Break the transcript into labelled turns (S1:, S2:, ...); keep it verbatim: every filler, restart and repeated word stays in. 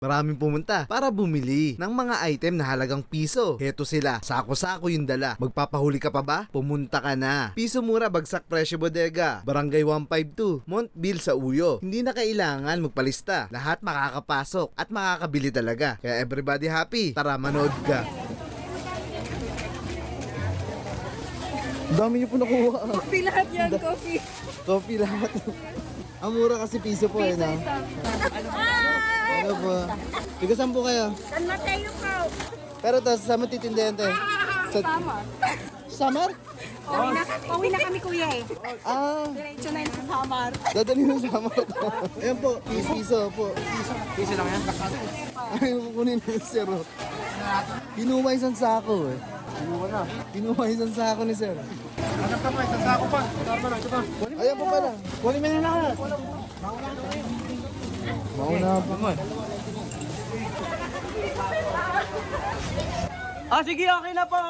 S1: Maraming pumunta para bumili ng mga item na halagang piso. Heto sila, sako-sako yung dala. Magpapahuli ka pa ba? Pumunta ka na. Piso mura, bagsak presyo bodega. Barangay one fifty-two, Montville sa Uyo. Hindi na kailangan magpalista. Lahat makakapasok at makakabili talaga. Kaya everybody happy. Tara, manood ka. Dami niyo po nakuha.
S2: Coffee lahat yan, coffee.
S1: Coffee lahat. Ang mura kasi piso po eh, no? Ano po? Tiga saan po kayo?
S2: San Mateo po.
S1: Pero to, saan mo titindihan to? Sa
S2: Samar.
S1: Samar?
S2: Pauwi na, pauwi na kami kuya eh.
S1: Ah,
S2: Diretso na yun sa Samar.
S1: dadali mo Samar to. Ayan po, piso, piso po.
S3: Piso lang yan?
S1: Ay, kukunin na yung zero. Kinuha isang sako eh.
S3: Kinuha na.
S1: Kinuha isang sako ni sir.
S3: Hanap ka pa, isang sako pa. Ito pa, ito pa.
S1: Ayan po pala.
S3: Kunin mo na lahat.
S1: Mauna po.
S3: Ah, sige, okay na po.